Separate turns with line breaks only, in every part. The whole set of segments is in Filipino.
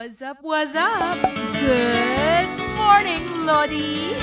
What's up, what's up? Good morning, Lodi!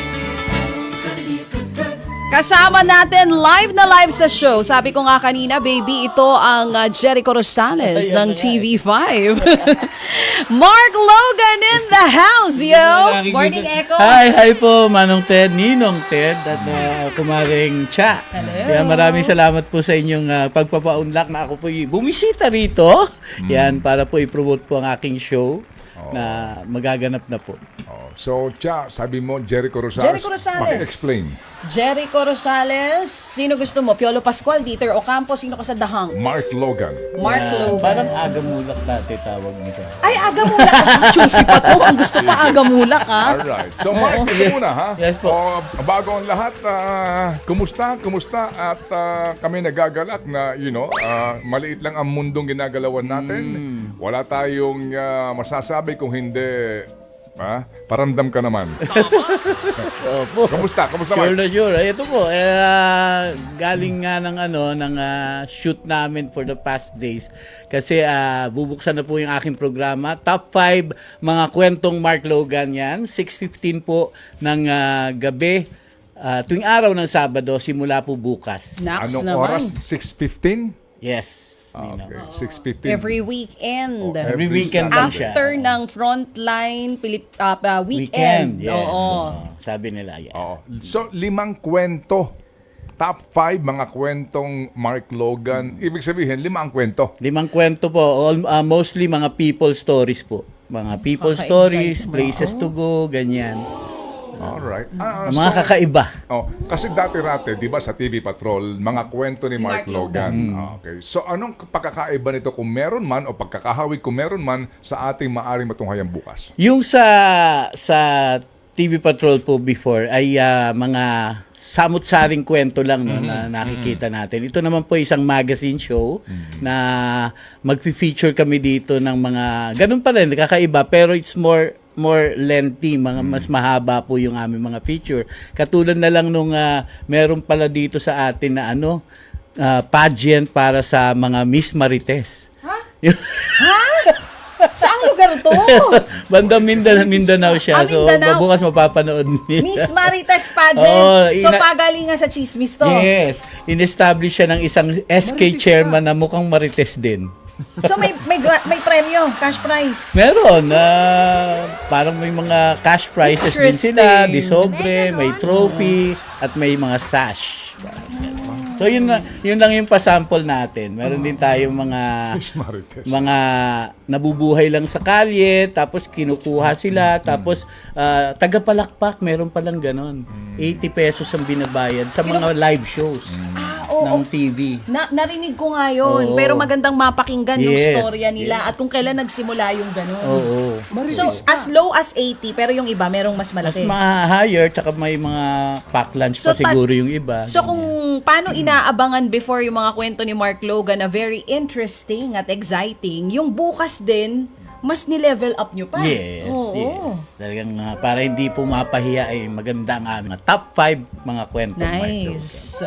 Kasama natin live na live sa show. Sabi ko nga kanina, baby, ito ang Jericho Rosales ng TV5. Mark Logan in the house, yo! Morning, Echo!
Hi po, Manong Ted, Ninong Ted, at Kumaring Cha.
Hello.
Yan, maraming salamat po sa inyong pagpapaunlak na ako po bumisita rito. Yan, para po i-promote po ang aking show na magaganap na po.
So, Cha, sabi mo, Jericho Rosales.
Jericho Rosales.
Paki-explain.
Jericho Rosales. Sino gusto mo? Piolo Pascual, Dieter Ocampo, sino ka sa The Hunks?
Mark Logan.
Mark
Yan,
Logan.
parang agamulak dati tawag nito.
Ay, agamulak. Choosy pa to. Ang gusto pa agamulak, ha?
Alright. So, Mark, ito muna, ha?
Yes po.
Bago ang lahat, kumusta? At kami nagagalak na, maliit lang ang mundong ginagalawan natin. Wala tayong masasabi kung hindi... Paramdam ka naman.
Opo.
Kamusta?
Sure
Mark?
na sure. Ito po, galing nga ng shoot namin for the past days. Kasi bubuksan na po yung aking programa. Top 5 mga kwentong Mark Logan yan. 6:15 po ng gabi. Tuwing araw ng Sabado, simula po bukas.
Naks
Anong
naman.
oras? 6:15?
Yes. Ninong.
Okay, 6:15.
Every weekend.
Every weekend lang siya.
After ng frontline weekend.
Weekend, yes.
Oo.
Sabi nila, yes.
So, 5 kwento. Top 5 mga kwentong Mark Logan. Ibig sabihin, 5 ang kwento.
5 kwento po, mostly mga people stories po. Mga people stories, places to go, ganyan.
Alright.
Mga kakaiba.
Kasi dati-rate, di ba, sa TV Patrol, mga kwento ni Mark Logan. Okay. So, anong pagkakaiba nito kung meron man o pagkakahawig kung meron man sa ating maaring matunghayan bukas?
Yung sa TV Patrol po before ay mga samut-saring kwento lang na nakikita natin. Ito naman po isang magazine show na magfi-feature kami dito ng mga ganun pa rin, kakaiba, pero it's more lengthy, mas mahaba po yung aming mga feature. Katulad na lang nung meron pala dito sa atin na pageant para sa mga Miss Marites.
Ha? Saang lugar to?
Banda Mindanao siya.
Mindanao.
So, bukas mapapanood niya.
Miss Marites Pageant.
Oh,
pagalingan sa chismis to.
Yes. In-establish siya ng isang SK chairman na mukhang Marites din.
So may premyo, cash prize.
Meron. Parang may mga cash prizes din sila.
Interesting.
Disobre, may trophy, at may mga sash. So yun lang yung pasample natin. Meron din tayong
Miss Marites.
mga nabubuhay lang sa kalye, tapos kinukuha sila, tapos tagapalakpak, meron palang ganon. 80 pesos ang binabayad sa mga live shows ng TV.
Narinig ko nga yun,
Oo.
pero magandang mapakinggan yung
Yes,
storya nila at kung kailan nagsimula yung ganon.
Oo.
So, as low as 80, pero yung iba, merong mas
Mas
malaki.
ma-higher, tsaka may mga pack lunch pa
So,
siguro yung iba.
So kung paano inaabangan before yung mga kwento ni Mark Logan na very interesting at exciting, yung bukas din, mas ni-level up nyo pa.
Yes,
Oo.
yes. Talagang para hindi po mapahiya ay maganda ang aming top 5 mga kwento.
Nice.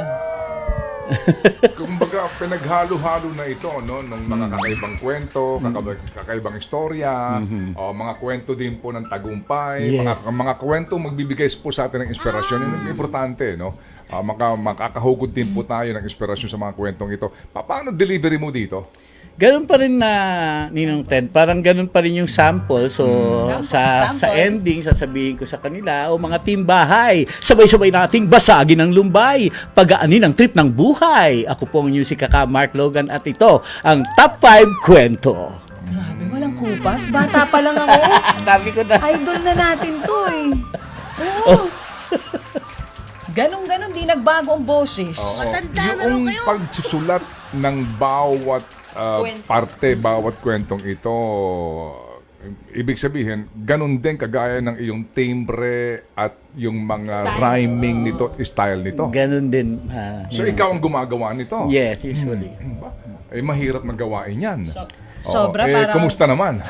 Kumbaga, pinaghalo-halo na ito, no? Ng mga kakaibang kwento, kakaibang istorya, o mga kwento din po ng tagumpay,
Yes.
mga kwento magbibigay po sa atin ng inspirasyon. Yun ang importante, no? Makakahugod din po tayo ng inspirasyon sa mga kwentong ito. Paano delivery mo dito?
Ganun pa rin na, Ninong Ted, parang ganun pa rin yung sample. So, sa ending, sasabihin ko sa kanila, mga team bahay, sabay-sabay nating basagin ang lumbay, pagaanin ang trip ng buhay. Ako po ang music kaka Mark Logan at ito ang Top 5 Kwento.
Grabe, walang kupas. Bata pa lang ako.
Sabi ko na.
Idol na natin to eh. Oo. Ganon-ganon, di nagbago ang boses.
Yung pagsusulat ng bawat parte, bawat kwentong ito, ibig sabihin, ganun din kagaya ng iyong timbre at yung mga rhyming nito, style nito.
Ganun din.
So, ikaw ang gumagawa nito?
Yes, usually.
Mahirap na gawain yan.
Sobra, parang...
Kumusta naman?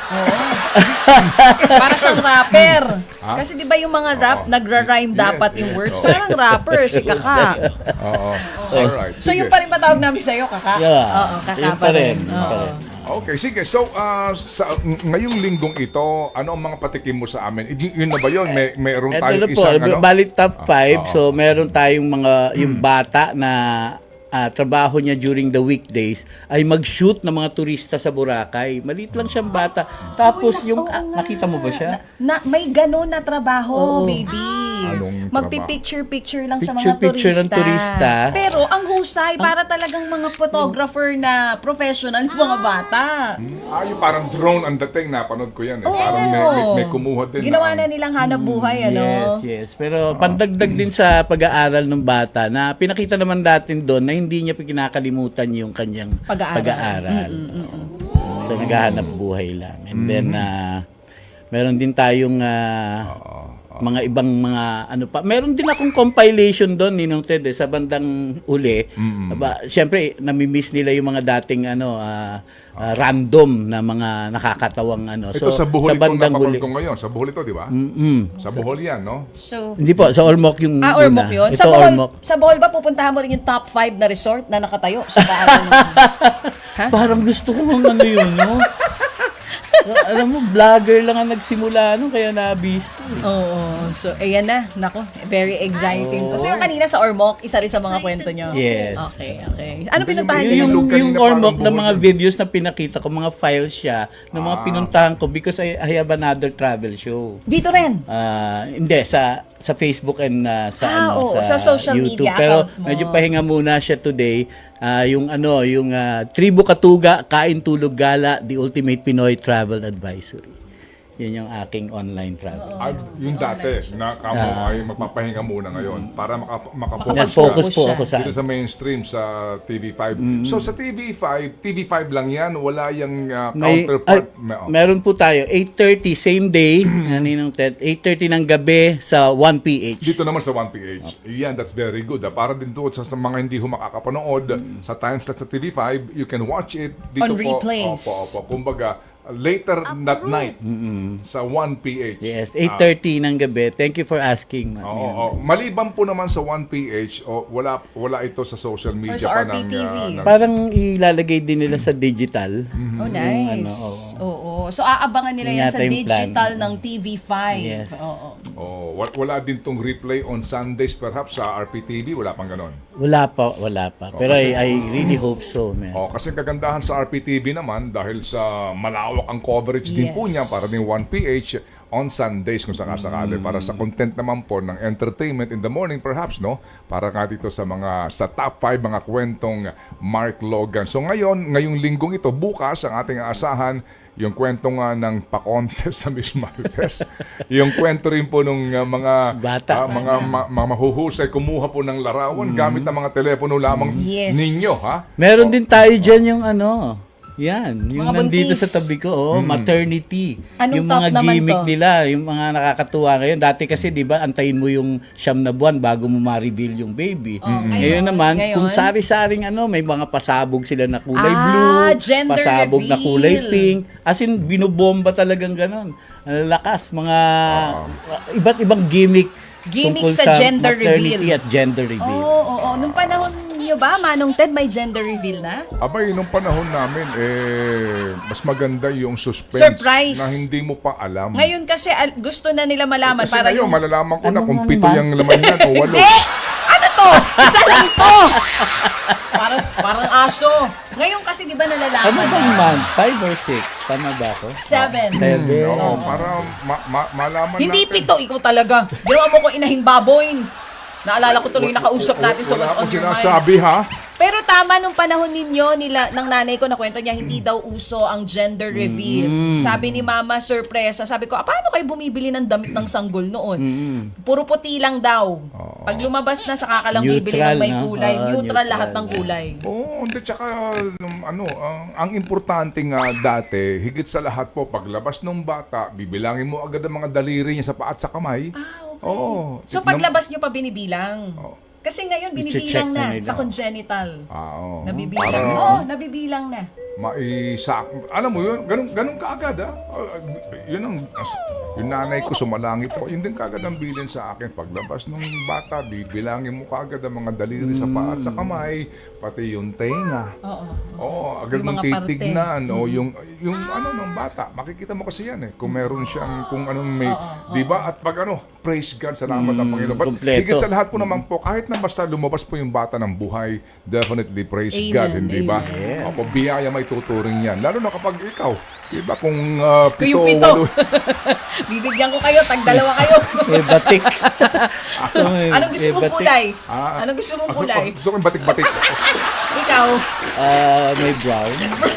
Para siyang rapper. Kasi di ba yung mga rap, nagra-rhyme dapat yung words? Parang rapper, si Kaka.
Oo. Alright.
So yung pa rin patawag namin sa'yo, Kaka?
Yeah.
Oo, Kaka
Yun
pa rin.
yun pa rin.
Okay, sige. So, ngayong linggong ito, ano ang mga patikim mo sa amin? Yun na ba yun? Mayroon
Ito
tayong
na po,
isang ano?
bali top 5. So, meron tayong mga, yung bata na trabaho niya during the weekdays ay mag-shoot ng mga turista sa Boracay. Maliit lang siyang bata. Tapos, yung, nakita mo ba siya?
May ganun na trabaho,
Oo.
baby.
Anong
Magpi-picture-picture lang sa mga
Picture ng turista.
Pero ang husay, para talagang mga photographer na professional, mga bata.
Yung parang drone ang dating. Napanood ko yan. Eh.
Oo.
Parang may kumuha din.
Ginawa na nilang hanap buhay, ano?
Yes. Pero pandagdag din sa pag-aaral ng bata na pinakita naman natin doon na hindi niya kinakalimutan yung kanyang pag-aaral. So naghahanap buhay lang. And then meron din tayong mga ibang mga ano pa. Meron din akong compilation doon Ninong Ted sa bandang uli. Siyempre nami-miss nila yung mga dating random na mga nakakatawang ano.
Ito sa Bohol
sa bandang
napapanood
huli.
ko ngayon. Sa Bohol ito, di ba? Sa Bohol yan, no?
So,
Hindi po, sa Ormoc yung
Ormoc
una.
yun?
Ito Ormoc.
Sa Bohol ba pupuntahan mo rin yung top 5 na resort na nakatayo sa daan?
Parang gusto ko ano yun, no? Alam mo, vlogger lang ang nagsimula, no? Kaya nabisto.
Oo. So, ayan na. Nako, very exciting. So, yung kanina sa Ormoc, isa rin sa mga kwento nyo.
Yes.
Okay. Ano pinuntahan nyo?
Yung
Yung
kanina
Ormoc
parang
na mga
Bohol.
videos na pinakita ko, mga files siya, ng mga pinuntahan ko because I have another travel show.
Dito rin.
Hindi, sa Facebook and
sa social
YouTube.
media
Pero
accounts mo.
medyo pahinga muna siya today. Yung Tribu Katuga, Kain Tulog Gala, The Ultimate Pinoy Travel Advisory. Yun yung aking online travel.
Yung dati, na kamo ay magpapahinga muna ngayon para makapokus
Focus
ka
po ako sa
dito sa mainstream sa TV5. So sa TV5 lang yan, wala yung counterpart.
Meron po tayo 8:30 same day, Ninong Ted, 8:30 ng gabi sa 1PH.
Dito naman sa 1PH. Yan, that's very good. Para din doon sa mga hindi makakapanood sa time slot sa TV5, you can watch it dito
On
po.
replays.
Opo. Kumbaga, later that night sa 1PH.
Yes, 8:30 ng gabi. Thank you for asking.
Oo. Maliban po naman sa 1PH, wala ito sa social media
Or sa
pa
RPTV.
Parang ilalagay din nila sa digital.
Oh, nice. Oo. So, aabangan nila yan sa
Yata yung plan.
digital ng TV5.
Yes.
Oo.
Wala din tong replay on Sundays perhaps sa RPTV, wala pang ganon.
Wala pa. Pero I really hope so, man.
Kasi kagandahan sa RPTV naman dahil sa malawak ang coverage din po
Yes.
niya para din 1PH on Sundays kung sakasakali para sa content naman po ng entertainment in the morning perhaps, no? Para nga dito sa top 5 mga kwentong Mark Logan. So ngayong linggong ito, bukas ang ating aasahan yung kwento nga ng pa-contest sa Miss Marites. Yung kwento rin po ng mga
Bata.
mga mahuhusay kumuha po ng larawan gamit ang mga telepono lamang
Yes.
ninyo, ha?
Meron din tayo dyan yung yan, yung
Mga
nandito
buntis.
sa tabi ko, maternity.
Anong
yung
top
mga
naman
gimmick
to?
nila, yung mga nakakatuwa ngayon. Dati kasi, di ba, antayin mo yung 9 na buwan bago mo ma-reveal yung baby. Ngayon naman, kung sari-saring may mga pasabog sila na kulay blue,
gender
pasabog na kulay
reveal.
pink. As in, binobomba talagang ganon. Ang lakas, mga iba't ibang gimmick
Gimmick
tungkol
sa gender
maternity
reveal.
at gender reveal.
Oo. Nung panahon nyo ba, Manong Ted, may gender reveal na?
Abay, nung panahon namin, mas maganda yung suspense
Surprise.
na hindi mo pa alam.
Ngayon kasi gusto na nila malaman
Kasi
para
ngayon,
yung...
malalaman ko na
Ano
kung
nga
7
naman?
yung laman yan o 8.
Hindi! Ano to? Isa lang to! Parang aso. Ngayon kasi di ba
Ano
nalalaman
bang
na?
month? 5 or 6? Tama ba ako?
7.
7.
Oo, para malaman
Hindi
natin.
7, ikaw talaga. Ginawa mo ko inahing baboy. Naalala ko tuloy nakausap natin sa What's
Wala
on
akong
Your Mind.
sinasabi, ha?
Pero tama nung panahon ninyo, ng nanay ko na kwento niya, hindi daw uso ang gender reveal. Sabi ni Mama, sorpresa. Sabi ko, paano kayo bumibili ng damit ng sanggol noon? Puro puti lang daw. Pag lumabas na, saka ka lang bibili ng may
Neutral, no?
kulay. Neutral
Neutral.
lahat ng kulay.
Oo, hindi. Tsaka, ang importante nga dati, higit sa lahat po, paglabas ng bata, bibilangin mo agad ang mga daliri niya sa paa at sa kamay.
Okay.
Oo.
So paglabas nyo pa binibilang? Kasi ngayon
I-check
binibilang
na
na
nila.
sa congenital.
Oo.
Nabibilang.
Para-
Nabibilang na.
alam mo yun, ganun kaagad yun ang, yung nanay ko sumalangit ako, yun din kaagad ang bilin sa akin. Paglabas ng bata, bibilangin mo kaagad ang mga daliri sa paa at sa kamay, pati yung tenga. Oo, agad
Yung
mong
mga parte.
titignan. O yung ano ng bata, makikita mo kasi yan kung meron siyang, kung anong may, di ba? At pag praise God, salamat ang Panginoon. But
Kompleto.
higit sa lahat po naman po, kahit na basta lumabas po yung bata ng buhay, definitely praise
Amen,
God, hindi ba?
amen.
Opo, biyaya may tuturing yan. Lalo na kapag ikaw, di ba, kung
Yung
pito,
pito.
walo,
Bibigyan ko kayo, tag-dalawa kayo.
May batik.
Anong gusto mong
May batik.
kulay? Anong gusto mong kulay?
gusto ko yung batik-batik.
Ikaw.
May brown.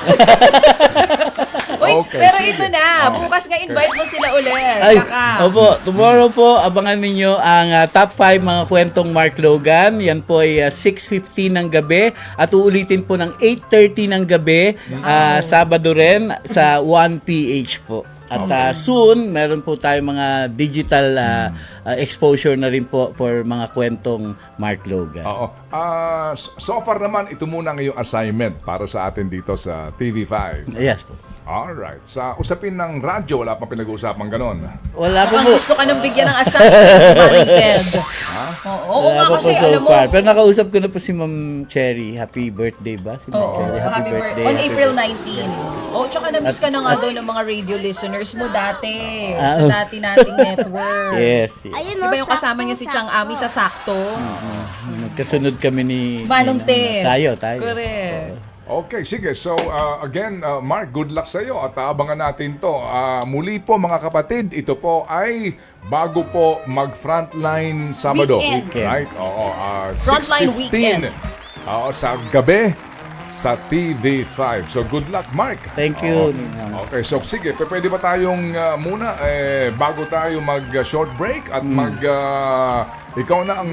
Uy,
Okay,
pero
sige.
ito na. Bukas nga invite mo sila ulit.
Ay,
Kaka.
opo, tomorrow po, abangan ninyo ang top 5 mga kwentong Mark Logan. Yan po ay 6:15 ng gabi at uulitin po ng 8:30 ng gabi, Sabado rin sa 1PH po. At soon, meron po tayong mga digital exposure na rin po for mga kwentong Mark Logan.
Oo. So far naman, ito muna ang iyong assignment para sa atin dito sa TV5.
Yes po.
Alright. Sa usapin ng radyo, wala pang pinag-uusapan ganon.
Wala po
Mukhang
po.
gusto ka nang bigyan ng assignment, Maring Ted. Oo
Wala
nga
pa po
kasi,
so
alam mo,
far. Pero nakausap ko na po si Ma'am Cherry. Happy birthday ba? Si Ma'am
Oo,
Cherry.
happy birthday. On
happy
April
birthday.
19. Oh, tsaka na-miss ka na nga daw ng mga radio listeners mo dati.
Ah,
Sa dati nating network.
Yes.
Ayun,
Di ba yung kasama niya si Chang Ami sa Sakto?
Magkasunod kami ni
Manong Ted.
Tayo.
Correct.
Okay, sige. So, again, Mark, good luck sa iyo at abangan natin to. Muli po mga kapatid, ito po ay bago po mag-frontline Sabado.
Weekend.
Right? Oo.
Frontline
6:15.
weekend.
Oo, sa gabi sa TV5. So, good luck, Mark.
Thank you.
Oo. Okay, so sige, pwede ba tayong muna bago tayo mag-short break at ikaw na ang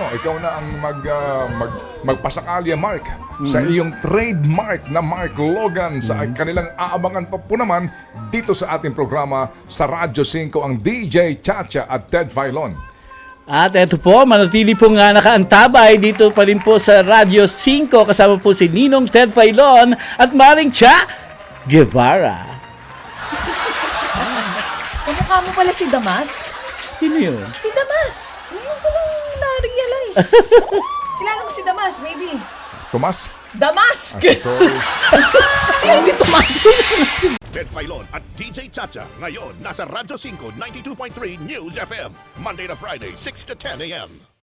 magpasakali, Mark, sa iyong trademark na Mark Logan sa kanilang aabangan pa po naman dito sa ating programa sa Radyo 5 ang DJ Chacha at Ted Filon.
At eto po, manatili po nga nakaantabay dito pa rin po sa Radyo 5 kasama po si Ninong Ted Filon at Maring Cha Guevara.
Kamukha mo pala si Damask?
Sino yun?
Si Damask! Ngayon ko lang na-realize. Kilala mo si Damask, maybe.
Tomas?
Damask!
Sorry.
Sino si Tomas?
Ted Filon at DJ Chacha. Ngayon, nasa Radyo 5, 92.3 News FM. Monday to Friday, 6 to 10 a.m.